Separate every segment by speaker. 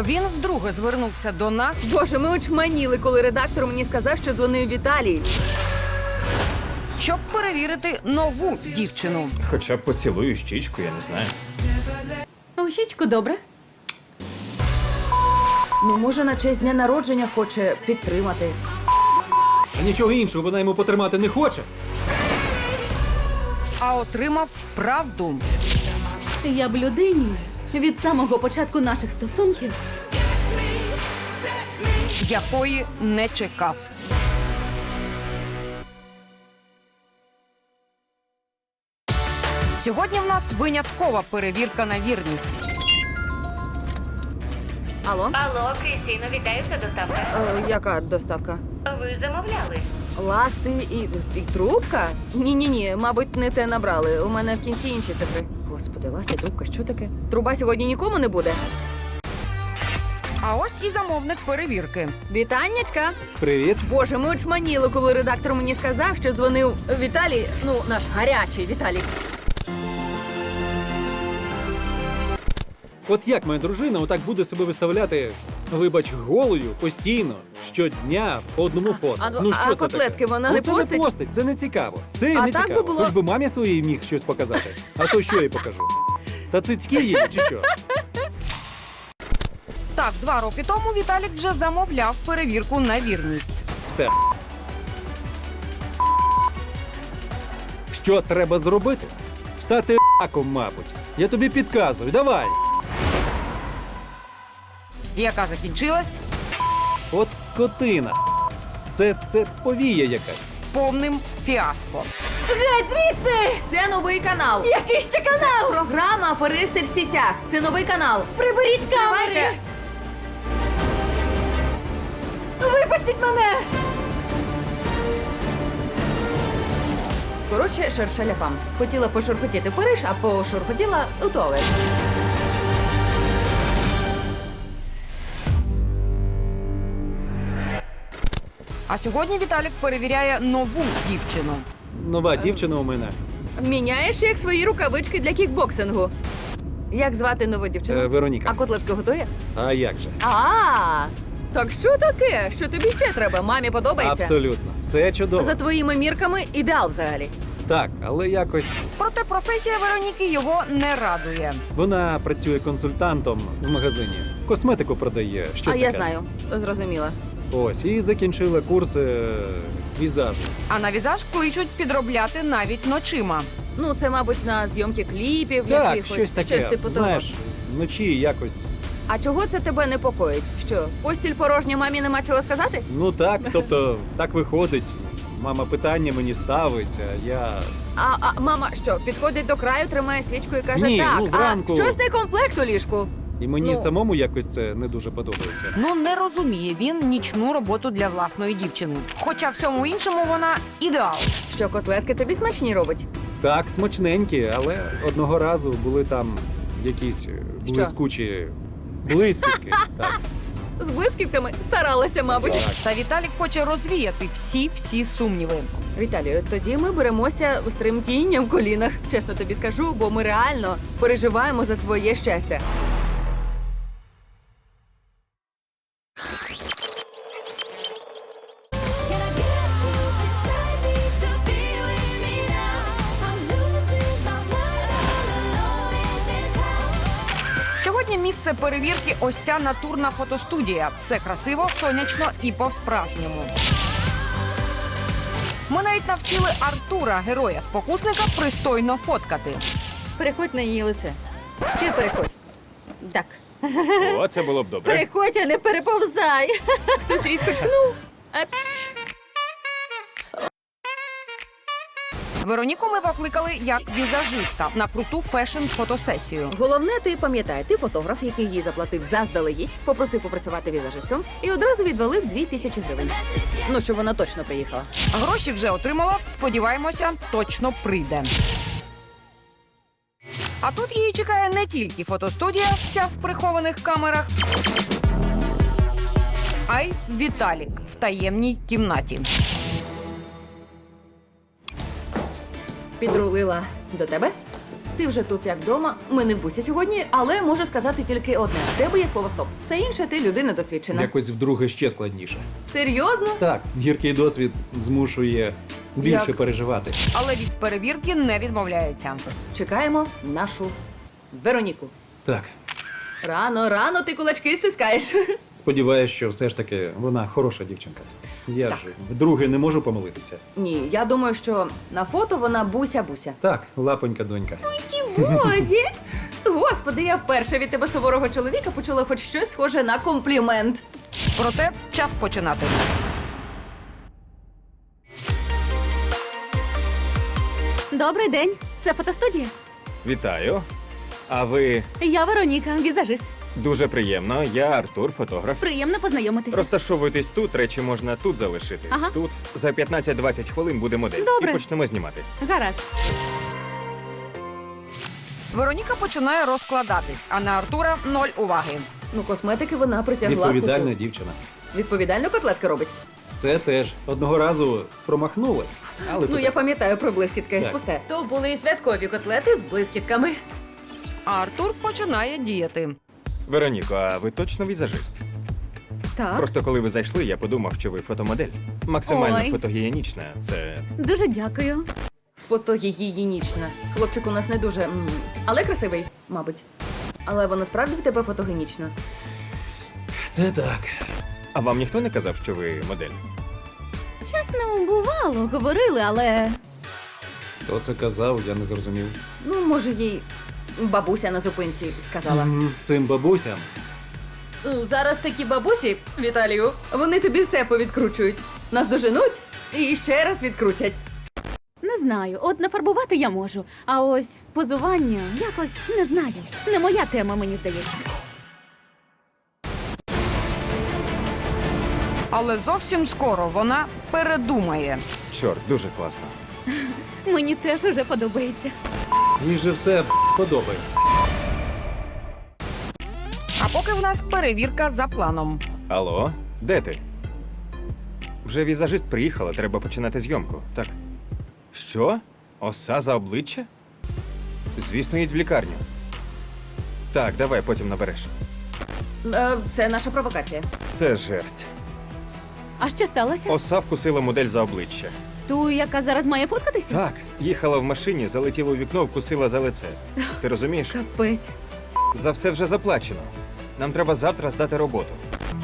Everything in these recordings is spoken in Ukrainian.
Speaker 1: Він вдруге звернувся до нас,
Speaker 2: Боже, ми очманіли, коли редактор мені сказав, що дзвонив Віталій.
Speaker 1: щоб перевірити нову дівчину.
Speaker 3: Хоча б поцілую щічку, я не знаю.
Speaker 4: У щічку добре.
Speaker 2: Ну, може, на честь дня народження хоче підтримати.
Speaker 3: А нічого іншого вона йому потримати не хоче.
Speaker 1: А отримав правду.
Speaker 4: Я б людині від самого початку наших стосунків
Speaker 1: Якої не чекав. Сьогодні в нас виняткова перевірка на вірність.
Speaker 2: Алло?
Speaker 5: Алло, Крістіно, вітаю, це доставка.
Speaker 2: Яка доставка?
Speaker 5: Ви ж замовляли.
Speaker 2: Ласти і трубка? Ні, мабуть, не те набрали. У мене в кінці інші цифри. Господи, ласти, трубка, що таке? Труба сьогодні нікому не буде?
Speaker 1: А ось і замовник перевірки.
Speaker 2: Вітаннячка!
Speaker 3: Привіт.
Speaker 2: Боже, ми очманіли, коли редактор мені сказав, що дзвонив Віталій, ну, наш гарячий Віталій.
Speaker 3: От як моя дружина отак буде себе виставляти, вибач, голою, постійно, щодня, по одному фото. Ну що
Speaker 2: а
Speaker 3: це
Speaker 2: котлетки
Speaker 3: таке?
Speaker 2: вона
Speaker 3: Ну,
Speaker 2: не
Speaker 3: це
Speaker 2: постить?
Speaker 3: не постить, це не цікаво. Це
Speaker 2: А
Speaker 3: не
Speaker 2: так
Speaker 3: цікаво.
Speaker 2: би було-
Speaker 3: Хоч би мамі своїй міг щось показати. А то що я їй покажу? Та цицьки їй чи що?
Speaker 1: Так, 2 роки тому Віталік вже замовляв перевірку на вірність.
Speaker 3: Все. Що треба зробити? Стати раком, мабуть. Я тобі підказую, давай.
Speaker 1: Яка закінчилась
Speaker 3: От скотина. Це повія якась.
Speaker 1: повним фіаско.
Speaker 2: Геть звідси! Це новий канал.
Speaker 4: Який ще канал?
Speaker 2: Програма «Аферисти в сітях». Це новий канал.
Speaker 4: Приберіть камери!
Speaker 2: Стривайте.
Speaker 4: Випустіть мене!
Speaker 2: Коротше, шершаляфам. Хотіла пошурхотіти в Париж, а пошурхотіла у туалет.
Speaker 1: А сьогодні Віталік перевіряє нову дівчину.
Speaker 3: Нова дівчина у мене.
Speaker 2: Міняєш як свої рукавички для кікбоксингу. Як звати нову дівчину?
Speaker 3: Вероніка.
Speaker 2: А котлетку готує?
Speaker 3: А як же?
Speaker 2: Так що таке? Що тобі ще треба? Мамі подобається?
Speaker 3: Абсолютно. Все чудово.
Speaker 2: За твоїми мірками ідеал взагалі.
Speaker 3: Так, але якось
Speaker 1: Проте професія Вероніки його не радує.
Speaker 3: вона працює консультантом в магазині. Косметику продає. Щось
Speaker 2: Я
Speaker 3: таке.
Speaker 2: знаю, зрозуміла.
Speaker 3: Ось, і закінчила курси візажу.
Speaker 1: А на візаж кличуть підробляти навіть ночима.
Speaker 2: Ну, це, мабуть, на зйомки кліпів,
Speaker 3: Так,
Speaker 2: якихось.
Speaker 3: щось таке.
Speaker 2: типу того.
Speaker 3: Знаєш, вночі якось.
Speaker 2: А чого це тебе непокоїть? Що, постіль порожня, мамі нема чого сказати?
Speaker 3: Ну так, тобто, так виходить. Мама питання мені ставить, а я.
Speaker 2: А мама що, підходить до краю, тримає свічку і каже,
Speaker 3: Ні,
Speaker 2: так,
Speaker 3: ну, зранку-
Speaker 2: а щось не комплект у ліжку.
Speaker 3: І мені
Speaker 2: Ну.
Speaker 3: самому якось це не дуже подобається.
Speaker 1: Ну, не розуміє він нічну роботу для власної дівчини. Хоча всьому іншому вона ідеал.
Speaker 2: Що, котлетки тобі смачні робить?
Speaker 3: Так, смачненькі, але одного разу були там якісь блискучі блискітки. Так,
Speaker 2: З блискітками старалася, мабуть.
Speaker 3: так.
Speaker 1: Та Віталік хоче розвіяти всі сумніви.
Speaker 2: Віталію, тоді ми беремося з тремтінням в колінах. Чесно тобі скажу, бо ми реально переживаємо за твоє щастя.
Speaker 1: Сьогодні місце перевірки ось ця натурна фотостудія. Все красиво, сонячно і по-справжньому. Ми навіть навчили Артура, героя-спокусника, пристойно фоткати.
Speaker 2: Переходь на її лице. Ще переходь. Так.
Speaker 3: О, це було б добре.
Speaker 2: Переходь, а не переповзай. Хтось різко чхнув.
Speaker 1: Вероніку ми покликали як візажиста на круту фешн-фотосесію.
Speaker 2: Головне, ти пам'ятай, ти фотограф, який їй заплатив заздалегідь, попросив попрацювати візажистом і одразу відвалив 2000 гривень. Ну, щоб вона точно приїхала.
Speaker 1: Гроші вже отримала, сподіваємося, точно прийде. А тут її чекає не тільки фотостудія, вся в прихованих камерах, а й Віталік в таємній кімнаті.
Speaker 2: Підрулила до тебе? Ти вже тут як вдома. Ми не в бусі сьогодні, але можу сказати тільки одне: в тебе є слово стоп. Все інше ти людина досвідчена.
Speaker 3: Якось вдруге ще складніше.
Speaker 2: Серйозно?
Speaker 3: Так, гіркий досвід змушує більше
Speaker 2: Як?
Speaker 3: переживати.
Speaker 1: Але від перевірки не відмовляється.
Speaker 2: Чекаємо нашу Вероніку.
Speaker 3: Так,
Speaker 2: Рано ти кулачки стискаєш.
Speaker 3: сподіваюся, що все ж таки вона хороша дівчинка. Я
Speaker 2: Так.
Speaker 3: ж вдруге не можу помилитися.
Speaker 2: Ні, я думаю, що на фото вона буся-буся.
Speaker 3: Так, лапонька донька.
Speaker 2: Бозі! Господи, я вперше від тебе суворого чоловіка почула хоч щось схоже на комплімент.
Speaker 1: Проте час починати.
Speaker 4: Добрий день. Це фотостудія.
Speaker 6: Вітаю. А ви
Speaker 4: Я Вероніка, візажист.
Speaker 6: дуже приємно. Я Артур, фотограф.
Speaker 4: Приємно познайомитися.
Speaker 6: Розташовуйтесь тут, речі можна тут залишити.
Speaker 4: Ага.
Speaker 6: Тут за 15-20 хвилин буде модель.
Speaker 4: Добре.
Speaker 6: І почнемо знімати.
Speaker 4: Гаразд.
Speaker 1: Вероніка починає розкладатись, а на Артура 0 уваги.
Speaker 2: Ну, косметики вона притягла.
Speaker 3: Відповідальна
Speaker 2: куту.
Speaker 3: дівчина.
Speaker 2: Відповідально котлетки робить.
Speaker 3: Це теж одного разу промахнулась, але
Speaker 2: Ну,
Speaker 3: то
Speaker 2: я
Speaker 3: так.
Speaker 2: пам'ятаю про блискітки.
Speaker 3: Так.
Speaker 2: Пусте. То були святкові котлети з блискітками.
Speaker 1: А Артур починає діяти.
Speaker 6: Вероніко, а ви точно візажист?
Speaker 4: Так.
Speaker 6: Просто коли ви зайшли, я подумав, що ви фотомодель. Максимально
Speaker 4: Ой.
Speaker 6: фотогенічна. Це
Speaker 4: Дуже дякую.
Speaker 2: Фотогігієнічна. Хлопчик у нас не дуже. Але красивий, мабуть. Але вона справді в тебе фотогенічна.
Speaker 3: Це так.
Speaker 6: А вам ніхто не казав, що ви модель?
Speaker 4: Чесно, бувало, говорили, але
Speaker 3: Хто це казав, я не зрозумів.
Speaker 2: Ну, може, їй бабуся на зупинці сказала.
Speaker 3: Цим бабусям
Speaker 2: Ну, зараз такі бабусі, Віталію, вони тобі все повідкручують. Нас доженуть і ще раз відкрутять.
Speaker 4: не знаю. От нафарбувати я можу. А ось позування якось не знаю. Не моя тема, мені здається.
Speaker 1: Але зовсім скоро вона передумає.
Speaker 6: Чорт, дуже класно.
Speaker 4: Мені теж уже подобається.
Speaker 3: їй же все подобається.
Speaker 1: А поки в нас перевірка за планом.
Speaker 6: Алло, де ти? Вже візажист приїхала, треба починати зйомку. Так. Що? Оса за обличчя? Звісно, їдь в лікарню. Так, давай потім набереш.
Speaker 2: Це наша провокація.
Speaker 6: Це жерсть.
Speaker 4: А що сталося?
Speaker 6: Оса вкусила модель за обличчя.
Speaker 4: Ту, яка зараз має фоткатися?
Speaker 6: Так, їхала в машині, залетіла у вікно, вкусила за лице. Ти розумієш?
Speaker 4: Капець.
Speaker 6: За все вже заплачено. Нам треба завтра здати роботу.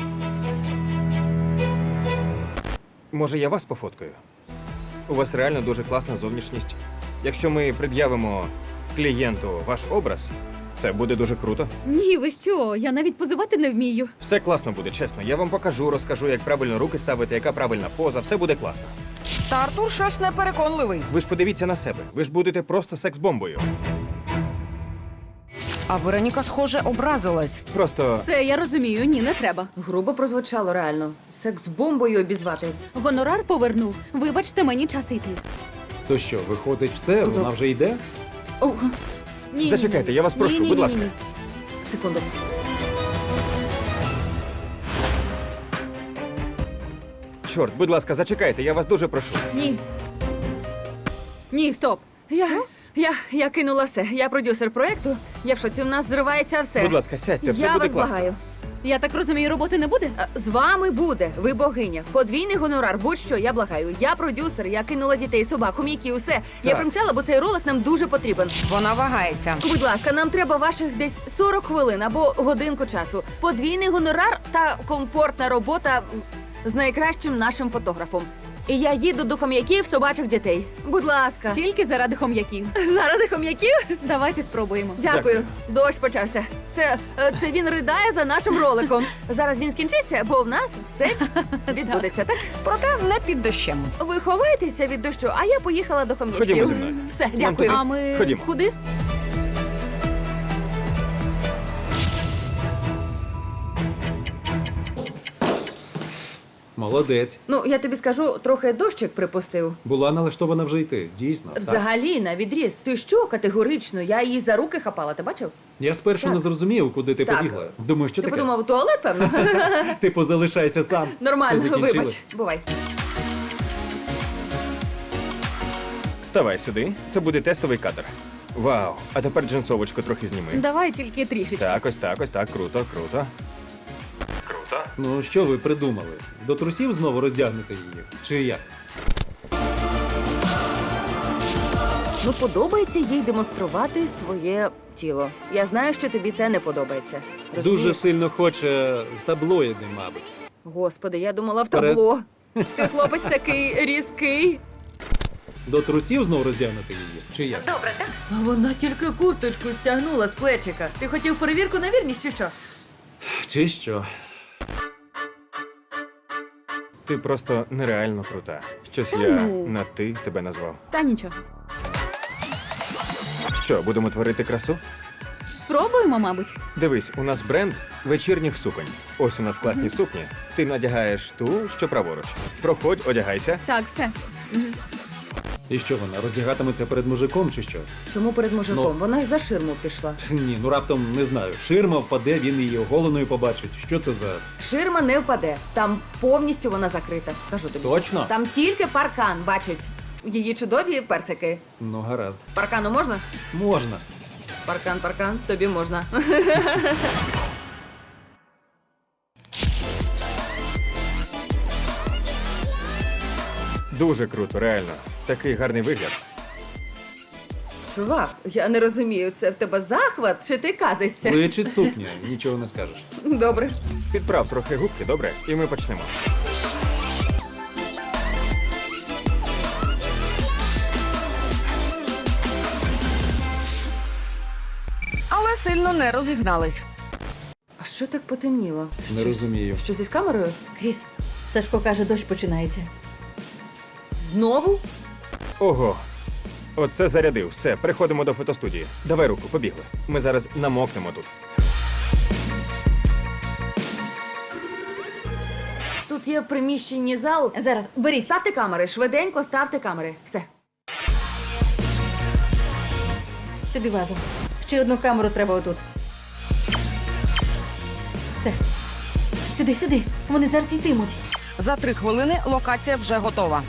Speaker 6: Може, я вас пофоткаю? У вас реально дуже класна зовнішність. Якщо ми пред'явимо клієнту ваш образ, це буде дуже круто.
Speaker 4: Ні, ви що? Я навіть позувати не вмію.
Speaker 6: Все класно буде, чесно. Я вам покажу, розкажу, як правильно руки ставити, яка правильна поза. Все буде класно.
Speaker 1: Та Артур щось непереконливий.
Speaker 6: Ви ж подивіться на себе. Ви ж будете просто секс-бомбою.
Speaker 1: А Вероніка, схоже, образилась.
Speaker 6: Просто
Speaker 4: Це я розумію, ні, не треба.
Speaker 2: Грубо прозвучало реально. Секс-бомбою обізвати.
Speaker 4: Гонорар поверну. Вибачте, мені час йти.
Speaker 3: То що, виходить все, вона вже йде?
Speaker 2: О,
Speaker 4: Ні,
Speaker 6: Зачекайте, я вас прошу, будь ласка.
Speaker 2: секунду.
Speaker 6: чорт, будь ласка, зачекайте, я вас дуже прошу.
Speaker 4: Ні. Ні, стоп.
Speaker 2: Я кинула все. Я продюсер проекту. Я в шоці, у нас зривається все.
Speaker 6: Будь ласка, сядьте, все
Speaker 2: я
Speaker 6: буде
Speaker 2: вас
Speaker 6: класно.
Speaker 2: благаю.
Speaker 4: Я так розумію, роботи не буде?
Speaker 2: З вами буде, ви богиня. Подвійний гонорар, будь-що, я благаю. Я продюсер, я кинула дітей, собак, хом'яки, усе. Я
Speaker 6: Так.
Speaker 2: примчала, бо цей ролик нам дуже потрібен.
Speaker 1: Вона вагається.
Speaker 2: Будь ласка, нам треба ваших десь 40 хвилин або годинку часу. Подвійний гонорар та комфортна робота з найкращим нашим фотографом. І я їду до хом'яків собачих дітей. Будь ласка,
Speaker 4: Тільки заради хом'яків.
Speaker 2: заради хом'яків?
Speaker 4: Давайте спробуємо.
Speaker 2: Дякую. Дощ почався. Це він ридає за нашим роликом. Зараз він скінчиться, бо в нас все відбудеться, так?
Speaker 1: Проте не під дощем.
Speaker 2: Ви ховаєтеся від дощу, а я поїхала до хом'ячків.
Speaker 6: Ходімо зі мною.
Speaker 2: Все, дякую.
Speaker 4: А ми
Speaker 6: Ходімо.
Speaker 4: куди?
Speaker 3: Молодець.
Speaker 2: Ну, я тобі скажу, трохи дощик припустив.
Speaker 3: Була налаштована вже йти, дійсно. Так.
Speaker 2: Взагалі, на відріз. Ти що, категорично? Я її за руки хапала, ти бачив?
Speaker 3: Я спершу
Speaker 2: Так.
Speaker 3: не зрозумів, куди ти
Speaker 2: Так.
Speaker 3: побігла. Думаю, що
Speaker 2: Ти
Speaker 3: таке?
Speaker 2: подумав, туалет, певно?
Speaker 3: Типу, залишайся сам. Все
Speaker 2: Нормально,
Speaker 3: закінчилось.
Speaker 2: вибач. Бувай.
Speaker 6: Ставай сюди, це буде тестовий кадр. Вау. А тепер джинсовочку трохи зніми.
Speaker 4: Давай тільки трішечки.
Speaker 6: Так, ось так, ось так. Круто, круто. Круто.
Speaker 3: Ну, що ви придумали? До трусів знову роздягнете її? Чи як?
Speaker 2: Ну, подобається їй демонструвати своє тіло. Я знаю, що тобі це не подобається. Розумієш?
Speaker 3: Дуже сильно хоче в таблоїди, мабуть.
Speaker 2: Господи, я думала в
Speaker 3: Вперед.
Speaker 2: табло. Ти хлопець такий різкий.
Speaker 3: До трусів знову роздягнете її? Чи як?
Speaker 5: Добре, так?
Speaker 2: А вона тільки курточку стягнула з плечика. Ти хотів перевірку на вірність чи що?
Speaker 3: Чи що?
Speaker 6: Ти просто нереально крута. Щось
Speaker 4: Та
Speaker 6: я
Speaker 4: ну.
Speaker 6: на ти тебе назвав.
Speaker 4: Та нічого.
Speaker 6: Що, будемо творити красу?
Speaker 4: Спробуємо, мабуть.
Speaker 6: Дивись, у нас бренд вечірніх суконь. Ось у нас класні сукні. Ти надягаєш ту, що праворуч. Проходь, одягайся.
Speaker 4: Так, все.
Speaker 3: І що вона роздягатиметься перед мужиком, чи що?
Speaker 2: Чому перед мужиком?
Speaker 3: Ну.
Speaker 2: Вона ж за ширму пішла.
Speaker 3: Ні, ну раптом не знаю. Ширма впаде, він її оголеною побачить. Що це за.
Speaker 2: Ширма не впаде. Там повністю вона закрита. Кажу тобі.
Speaker 3: Точно?
Speaker 2: Там тільки паркан бачить. Її чудові персики.
Speaker 3: Ну, гаразд.
Speaker 2: Паркану можна?
Speaker 3: Можна.
Speaker 2: Паркан, тобі можна.
Speaker 6: Дуже круто, реально. Такий гарний вигляд.
Speaker 2: Чувак, я не розумію, це в тебе захват чи ти казишся?
Speaker 3: Личить сукня, нічого не скажеш.
Speaker 2: Добре.
Speaker 6: Підправ трохи губки, добре? І ми почнемо.
Speaker 1: Але сильно не розігнались.
Speaker 2: А що так потемніло?
Speaker 3: Не розумію.
Speaker 2: Щось із камерою?
Speaker 7: Кріс, Сашко каже, дощ починається.
Speaker 2: Знову?
Speaker 6: Ого. Оце зарядив. Все, переходимо до фотостудії. Давай руку, побігли. Ми зараз намокнемо тут.
Speaker 2: Тут є в приміщенні зал.
Speaker 7: Зараз, беріть.
Speaker 2: Ставте камери, швиденько ставте камери. Все.
Speaker 7: Сюди вазу. Ще одну камеру треба отут. Все. Сюди, сюди. Вони зараз йтимуть.
Speaker 1: За 3 хвилини локація вже готова.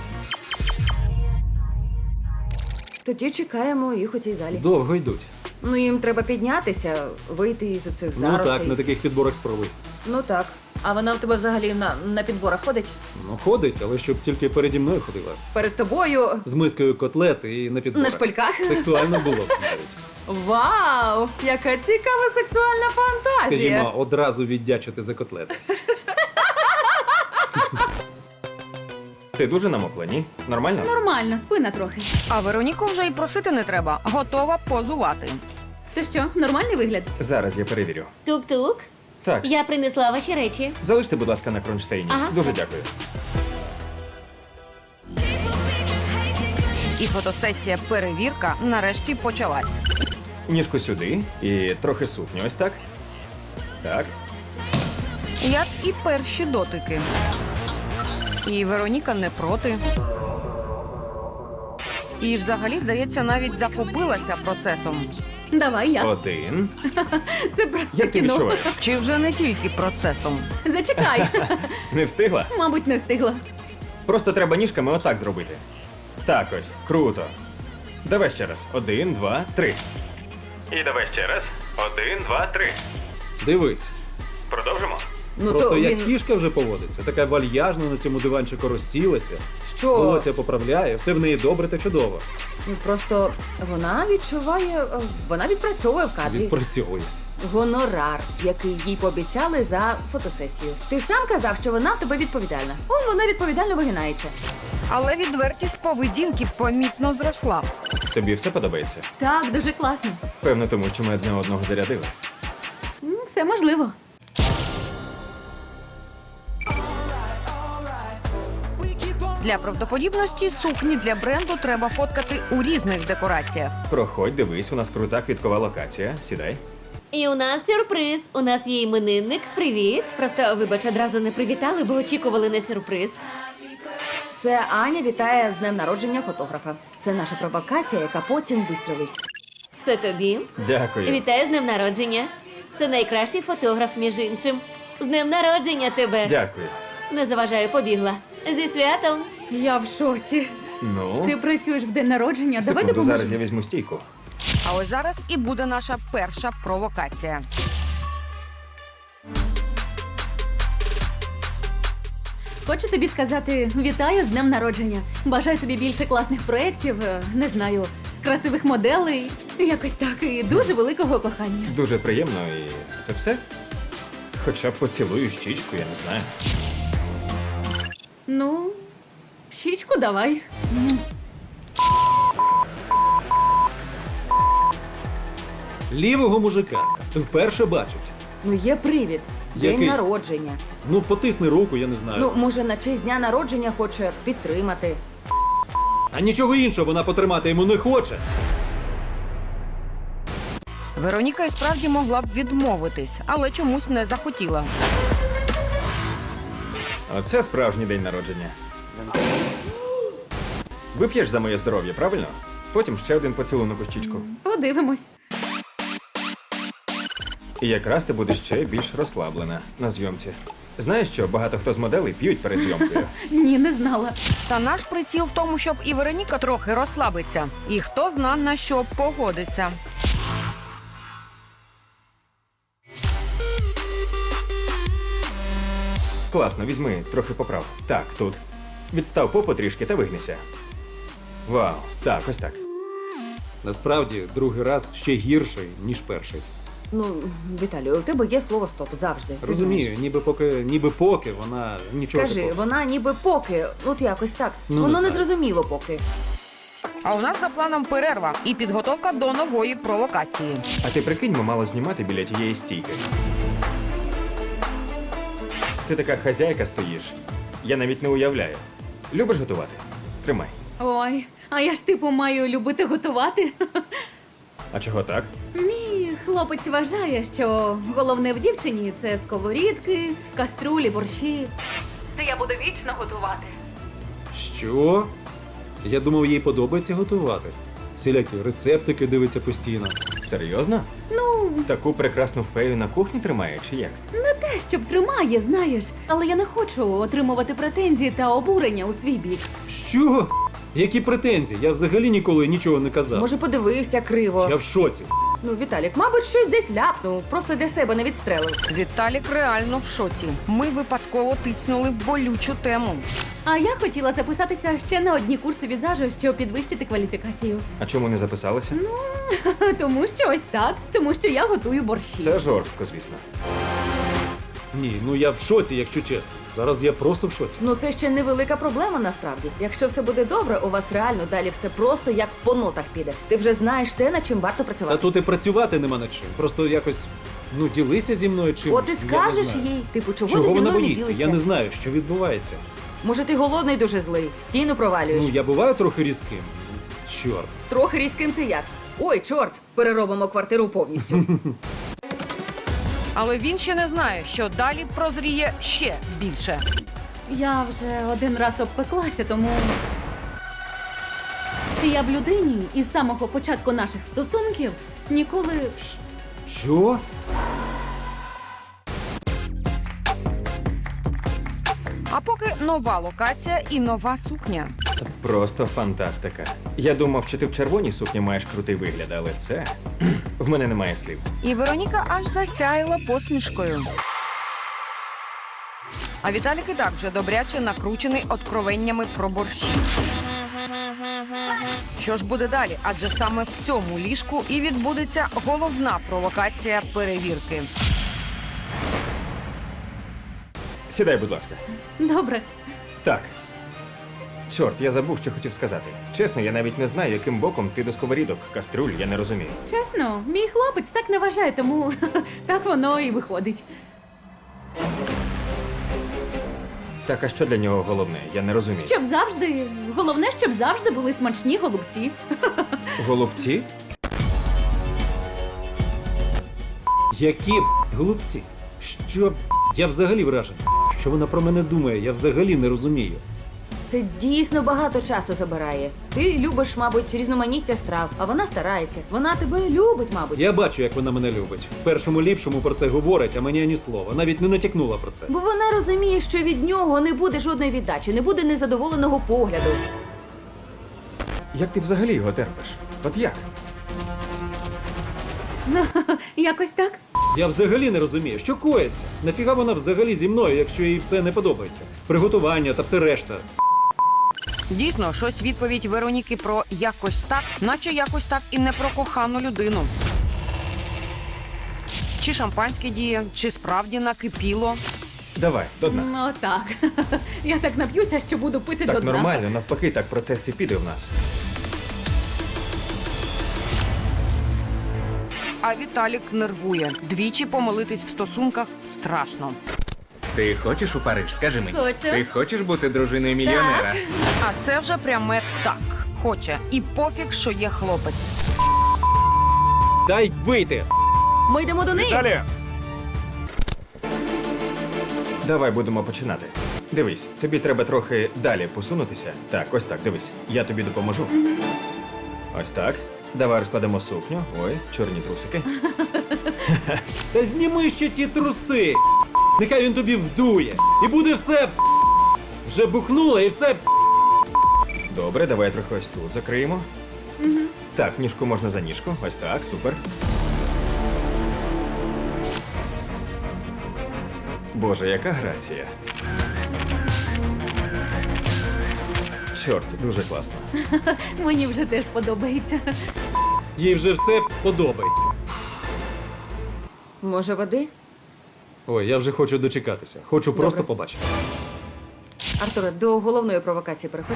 Speaker 2: Тоді чекаємо їх у цій залі.
Speaker 3: Довго йдуть.
Speaker 2: Ну, їм треба піднятися, вийти із оцих
Speaker 3: Ну
Speaker 2: заростей.
Speaker 3: так, на таких підборах спробуй.
Speaker 2: Ну так.
Speaker 7: А вона в тебе взагалі на підборах ходить?
Speaker 3: Ну, ходить, але щоб тільки переді мною ходила.
Speaker 2: Перед тобою
Speaker 3: З мискою котлет і на підборах.
Speaker 2: на шпильках.
Speaker 3: Сексуально було б навіть.
Speaker 2: Вау! Яка цікава сексуальна фантазія!
Speaker 3: Скажімо, одразу віддячити за котлети.
Speaker 6: Ти дуже намокла, ні? Нормально?
Speaker 4: Нормально, спина трохи.
Speaker 1: А Вероніку вже й просити не треба. Готова позувати.
Speaker 4: То що, нормальний вигляд?
Speaker 6: Зараз я перевірю.
Speaker 8: Тук-тук.
Speaker 6: Так,
Speaker 8: Я принесла ваші речі.
Speaker 6: залиште, будь ласка, на кронштейні.
Speaker 8: Ага.
Speaker 6: Дуже дякую.
Speaker 1: І фотосесія перевірка нарешті почалась.
Speaker 6: Ніжку сюди і трохи сукню. Ось так. Так.
Speaker 1: Як і перші дотики. І Вероніка не проти. І взагалі, здається, навіть захопилася процесом.
Speaker 4: Давай я.
Speaker 6: Один.
Speaker 4: Це просто
Speaker 6: Як ти
Speaker 4: кіно.
Speaker 6: відчуваєш?
Speaker 1: Чи вже не тільки процесом?
Speaker 4: Зачекай.
Speaker 6: Не встигла?
Speaker 4: Мабуть, не встигла.
Speaker 6: Просто треба ніжками отак зробити. Так ось. Круто. Давай ще раз. 1, 2, 3. І давай ще раз. 1, 2, 3.
Speaker 3: Дивись.
Speaker 6: Продовжимо.
Speaker 2: Ну
Speaker 3: Просто
Speaker 2: то
Speaker 3: як
Speaker 2: він...
Speaker 3: кішка вже поводиться. Така вальяжна на цьому диванчику розсілася.
Speaker 2: Що?
Speaker 3: Волосся поправляє, все в неї добре та чудово.
Speaker 2: Ну, просто вона відчуває, вона відпрацьовує в кадрі.
Speaker 3: Відпрацьовує.
Speaker 2: Гонорар, який їй пообіцяли за фотосесію. Ти ж сам казав, що вона в тебе відповідальна. Он вона відповідально вигинається.
Speaker 1: Але відвертість поведінки помітно зросла.
Speaker 6: Тобі все подобається?
Speaker 4: Так, дуже класно.
Speaker 6: Певно, тому що ми одне одного зарядили.
Speaker 4: Все можливо.
Speaker 1: Для правдоподібності сукні для бренду треба фоткати у різних декораціях.
Speaker 6: Проходь, дивись, у нас крута квіткова локація. Сідай.
Speaker 8: І у нас сюрприз. У нас є іменинник. Привіт. Просто, вибач, одразу не привітали, бо очікували на сюрприз.
Speaker 2: Це Аня вітає з днем народження фотографа. Це наша провокація, яка потім вистрелить.
Speaker 8: Це тобі.
Speaker 6: Дякую.
Speaker 8: Вітаю з днем народження. Це найкращий фотограф, між іншим. З днем народження тебе.
Speaker 6: Дякую.
Speaker 8: Не заважаю, побігла. Зі святом.
Speaker 4: Я в шоці.
Speaker 6: Ну,
Speaker 4: Ти працюєш в день народження. Давай
Speaker 6: секунду,
Speaker 4: допоможемо.
Speaker 6: зараз я візьму стійку.
Speaker 1: А ось зараз і буде наша перша провокація.
Speaker 4: Хочу тобі сказати вітаю з днем народження. Бажаю тобі більше класних проєктів, не знаю, красивих моделей, якось так, і дуже великого кохання.
Speaker 6: Дуже приємно, і це все? Хоча б поцілую щічку, я не знаю.
Speaker 4: Ну, щічку давай.
Speaker 3: Лівого мужика вперше бачать.
Speaker 2: Ну є привід. День
Speaker 3: Який?
Speaker 2: народження.
Speaker 3: Ну, потисни руку, я не знаю.
Speaker 2: Ну, може, на честь дня народження хоче підтримати.
Speaker 3: А нічого іншого вона потримати йому не хоче.
Speaker 1: Вероніка і справді могла б відмовитись, але чомусь не захотіла.
Speaker 6: Оце справжній день народження. Вип'єш за моє здоров'я, правильно? Потім ще один поцілунок у щічку.
Speaker 4: Подивимось.
Speaker 6: І якраз ти будеш ще більш розслаблена на зйомці. Знаєш що, багато хто з моделей п'ють перед зйомкою.
Speaker 4: Ні, не знала.
Speaker 1: Та наш приціл в тому, щоб і Вероніка трохи розслабиться. І хто зна на що погодиться.
Speaker 6: Класно, візьми, трохи поправ. Так, тут. Відстав попу трішки та вигнися. Вау, так, ось так.
Speaker 3: Насправді, другий раз ще гірший, ніж перший.
Speaker 2: Ну, Віталію, у тебе є слово стоп завжди. ти
Speaker 3: Розумію,
Speaker 2: знаєш.
Speaker 3: ніби поки вона нічого
Speaker 2: Скажи,
Speaker 3: такого.
Speaker 2: вона ніби поки, от якось так.
Speaker 3: Ну,
Speaker 2: Воно
Speaker 3: не
Speaker 2: не
Speaker 3: знаю.
Speaker 2: зрозуміло поки.
Speaker 1: А у нас за планом перерва і підготовка до нової провокації.
Speaker 6: А ти прикинь, ми мало знімати біля тієї стійки. Ти така хазяйка стоїш. Я навіть не уявляю. Любиш готувати? Тримай.
Speaker 4: Ой, а я ж типу маю любити готувати.
Speaker 6: А чого так?
Speaker 4: Мій хлопець вважає, що головне в дівчині це сковорідки, каструлі, борщі. Та я буду вічно готувати.
Speaker 3: Що? Я думав, їй подобається готувати. Всілякі рецептики дивиться постійно.
Speaker 6: Серйозно?
Speaker 4: Ну,
Speaker 6: Таку прекрасну фею на кухні тримає, чи як?
Speaker 4: не те, щоб тримає, знаєш. Але я не хочу отримувати претензії та обурення у свій бік.
Speaker 3: Що? Які претензії? Я взагалі ніколи нічого не казав.
Speaker 2: Може, подивився криво.
Speaker 3: Я в шоці.
Speaker 2: Ну, Віталік, мабуть, щось десь ляпнув, просто для себе не відстрелив.
Speaker 1: Віталік реально в шоці. Ми випадково тицнули в болючу тему.
Speaker 4: А я хотіла записатися ще на одні курси візажу, щоб підвищити кваліфікацію.
Speaker 6: А чому не записалася?
Speaker 4: Тому що ось так, тому що я готую борщі.
Speaker 6: Це жорстко, звісно.
Speaker 3: Ні, ну я в шоці, якщо чесно. Зараз я просто в шоці.
Speaker 2: Ну, це ще невелика проблема насправді. Якщо все буде добре, у вас реально далі все просто як по нотах піде. Ти вже знаєш те, над чим варто
Speaker 3: Та
Speaker 2: працювати.
Speaker 3: тут і працювати нема над чим. Просто якось, ділися зі мною чимось.
Speaker 2: От і
Speaker 3: Я не
Speaker 2: скажеш
Speaker 3: знаю.
Speaker 2: їй, типу, чого
Speaker 3: Чого
Speaker 2: ти зі
Speaker 3: вона
Speaker 2: мною не
Speaker 3: боїться?
Speaker 2: ділишся?
Speaker 3: Я не знаю, що відбувається.
Speaker 2: Може, ти голодний дуже злий, стіну провалюєш.
Speaker 3: Ну, я буваю трохи різким. Чорт.
Speaker 2: Трохи різким це як? Ой, чорт, переробимо квартиру повністю.
Speaker 1: Але він ще не знає, що далі прозріє ще більше.
Speaker 4: Я вже один раз обпеклася, тому. Я б людині із самого початку наших стосунків ніколи.
Speaker 3: Що?
Speaker 1: А поки нова локація і нова сукня.
Speaker 6: Просто фантастика. Я думав, що ти в червоній сукні маєш крутий вигляд, але це. В мене немає слів.
Speaker 1: І Вероніка аж засяяла посмішкою. А Віталік і так вже добряче накручений откровеннями про борщі. Що ж буде далі? Адже саме в цьому ліжку і відбудеться головна провокація перевірки.
Speaker 6: Сідай, будь ласка.
Speaker 4: Добре.
Speaker 6: Так. Чорт, я забув, що хотів сказати. Чесно, я навіть не знаю, яким боком ти до сковорідок, каструль, я не розумію.
Speaker 4: Чесно, мій хлопець так не вважає, тому так воно і виходить.
Speaker 6: Так, а що для нього головне? Я не розумію.
Speaker 4: Щоб завжди, головне, щоб завжди були смачні голубці.
Speaker 6: Голубці?
Speaker 3: Які голубці? Що? Я взагалі вражений. Що вона про мене думає? Я взагалі не розумію.
Speaker 2: Це дійсно багато часу забирає. Ти любиш, мабуть, різноманіття страв, а вона старається. Вона тебе любить, мабуть.
Speaker 3: Я бачу, як вона мене любить. Першому ліпшому про це говорить, а мені ані слова. Навіть не натякнула про це.
Speaker 2: Бо вона розуміє, що від нього не буде жодної віддачі, не буде незадоволеного погляду.
Speaker 6: Як ти взагалі його терпиш? От як?
Speaker 4: Якось так.
Speaker 3: Я взагалі не розумію, що коїться. Нафіга вона взагалі зі мною, якщо їй все не подобається? Приготування та все решта.
Speaker 1: Дійсно, щось відповідь Вероніки про якось так, наче якось так і не про кохану людину. Чи шампанське діє, чи справді накипіло.
Speaker 6: Давай, до дна.
Speaker 4: Ну так. Я так нап'юся, що буду пити до
Speaker 6: Так
Speaker 4: дна.
Speaker 6: нормально, навпаки, так процес і піде в нас.
Speaker 1: А Віталік нервує. Двічі помилитись в стосунках страшно.
Speaker 9: Ти хочеш у Париж? Скажи мені.
Speaker 8: Хочу.
Speaker 9: Ти хочеш бути дружиною мільйонера?
Speaker 1: А це вже пряме так. Хоче. І пофіг, що є хлопець.
Speaker 3: Дай вийти!
Speaker 2: Ми йдемо до неї.
Speaker 6: Далі! Давай будемо починати. Дивись, тобі треба трохи далі посунутися. Так, ось так, дивись. Я тобі допоможу. Ось так. Давай розкладемо сукню. Ой, чорні трусики.
Speaker 3: Та зніми ще ті труси! Нехай він тобі вдує! І буде все... Вже бухнуло і все...
Speaker 6: Добре, давай трохи ось тут закриємо. Так, ніжку можна за ніжку. Ось так, супер. Боже, яка грація. Чорт, дуже класно.
Speaker 4: Мені вже теж подобається.
Speaker 3: Їй вже все подобається.
Speaker 2: Може, води?
Speaker 3: Ой, я вже хочу дочекатися. Хочу просто
Speaker 2: Добре.
Speaker 3: побачити.
Speaker 2: Артуре, до головної провокації переходь.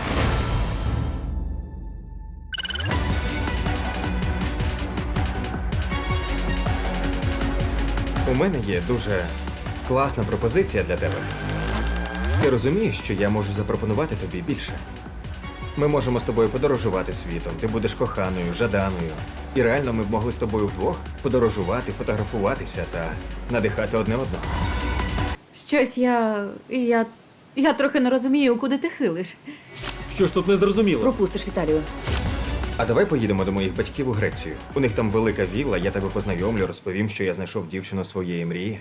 Speaker 6: У мене є дуже класна пропозиція для тебе. Ти розумієш, що я можу запропонувати тобі більше. Ми можемо з тобою подорожувати світом, ти будеш коханою, жаданою. І реально ми б могли з тобою вдвох подорожувати, фотографуватися та надихати одне одного.
Speaker 4: Щось я трохи не розумію, куди ти хилиш.
Speaker 3: Що ж тут не зрозуміло?
Speaker 2: Пропустиш Віталію.
Speaker 6: А давай поїдемо до моїх батьків у Грецію. У них там велика вілла, я тебе познайомлю, розповім, що я знайшов дівчину своєї мрії.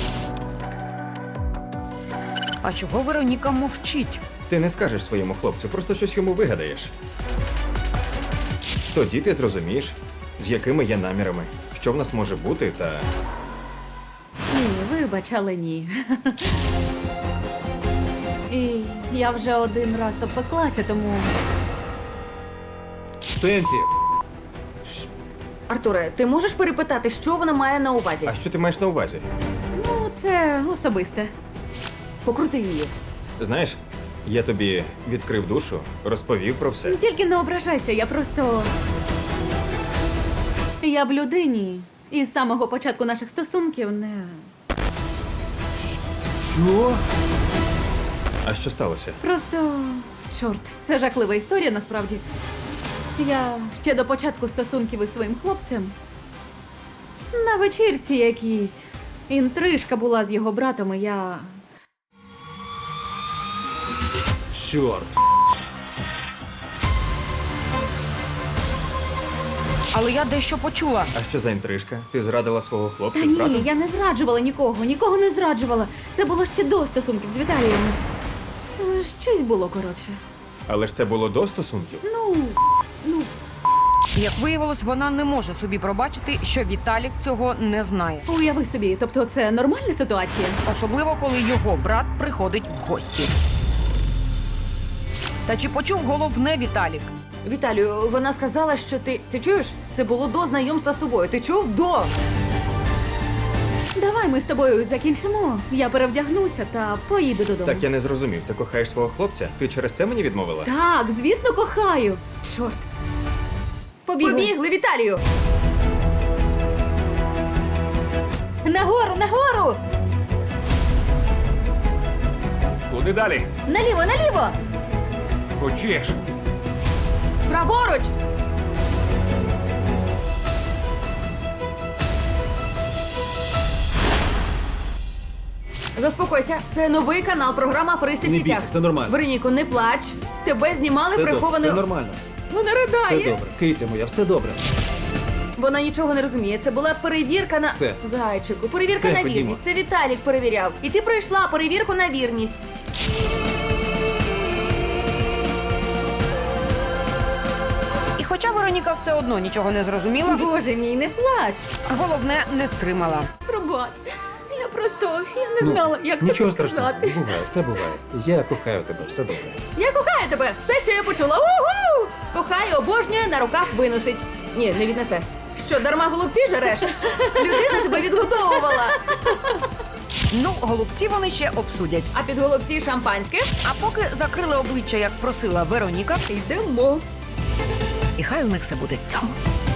Speaker 1: А чого Вероніка мовчить?
Speaker 6: Ти не скажеш своєму хлопцю, просто щось йому вигадаєш. Тоді ти зрозумієш, з якими є намірами, що в нас може бути, та
Speaker 4: Ні, вибач, але ні. І я вже один раз обпеклася, тому
Speaker 3: В сенсі.
Speaker 2: Артуре, ти можеш перепитати, що вона має на увазі?
Speaker 6: а що ти маєш на увазі?
Speaker 4: ну, це особисте.
Speaker 2: Покрути її.
Speaker 6: Знаєш, я тобі відкрив душу, розповів про все.
Speaker 4: Тільки не ображайся, я просто. Я б людині і з самого початку наших стосунків не.
Speaker 3: Що?
Speaker 6: А що сталося?
Speaker 4: Просто. Чорт, це жахлива історія насправді. Я ще до початку стосунків із своїм хлопцем. На вечірці якійсь. Інтрижка була з його братом, і я.
Speaker 3: Чорт.
Speaker 1: Але я дещо почула.
Speaker 6: А що за інтрижка? Ти зрадила свого
Speaker 4: Та
Speaker 6: хлопця з
Speaker 4: ні,
Speaker 6: братом?
Speaker 4: я не зраджувала нікого не зраджувала. Це було ще до стосунків з Віталієм. Щось було коротше.
Speaker 6: Але ж це було до стосунків.
Speaker 4: Ну,
Speaker 1: Як виявилось, вона не може собі пробачити, що Віталік цього не знає.
Speaker 4: уяви собі, тобто це нормальна ситуація?
Speaker 1: Особливо, коли його брат приходить в гості. Та чи почув головне Віталік?
Speaker 2: Віталію, вона сказала, що ти. Ти чуєш? Це було до знайомства з тобою. Ти чув? До!
Speaker 4: Давай ми з тобою закінчимо. Я перевдягнуся та поїду додому.
Speaker 6: Так я не зрозумів. Ти кохаєш свого хлопця? Ти через це мені відмовила?
Speaker 4: Так, звісно, кохаю. Чорт.
Speaker 2: Побігли, Віталію!
Speaker 7: Нагору, нагору!
Speaker 9: Куди далі?
Speaker 7: Наліво, наліво!
Speaker 9: Хочеш?
Speaker 2: Праворуч! Заспокойся, це новий канал, програма «Аферисти в
Speaker 3: Не
Speaker 2: сітях».
Speaker 3: бійся, все нормально.
Speaker 2: Вероніко, не плач. Тебе знімали
Speaker 3: Все добре,
Speaker 2: прихованою.
Speaker 3: все нормально.
Speaker 2: Вона
Speaker 3: Все
Speaker 2: ридає.
Speaker 3: добре. Киця моя, все добре.
Speaker 2: Вона нічого не розуміє. Це була перевірка на
Speaker 3: Все.
Speaker 2: зайчику. Перевірка
Speaker 3: Все,
Speaker 2: на
Speaker 3: ходімо.
Speaker 2: вірність. Це Віталік перевіряв. І ти пройшла перевірку на вірність.
Speaker 1: І хоча Вероніка Вероніка все одно нічого не зрозуміла.
Speaker 4: Боже мій, не плач.
Speaker 1: Головне, не стримала.
Speaker 4: Пробач. Я не знала, як
Speaker 3: Нічого
Speaker 4: тобі
Speaker 3: страшного,
Speaker 4: сказати.
Speaker 3: буває, все буває. Я кохаю тебе, все добре.
Speaker 2: Я кохаю тебе! Все, що я почула. Угу! Кохаю, обожнює, на руках виносить. Ні, не віднесе. Що, дарма голубці жереш? Людина тебе відгодовувала.
Speaker 1: Ну, голубці вони ще обсудять.
Speaker 2: А під голубці шампанське?
Speaker 1: А поки закрили обличчя, як просила Вероніка,
Speaker 2: Йдемо.
Speaker 1: і хай у них все буде цьому.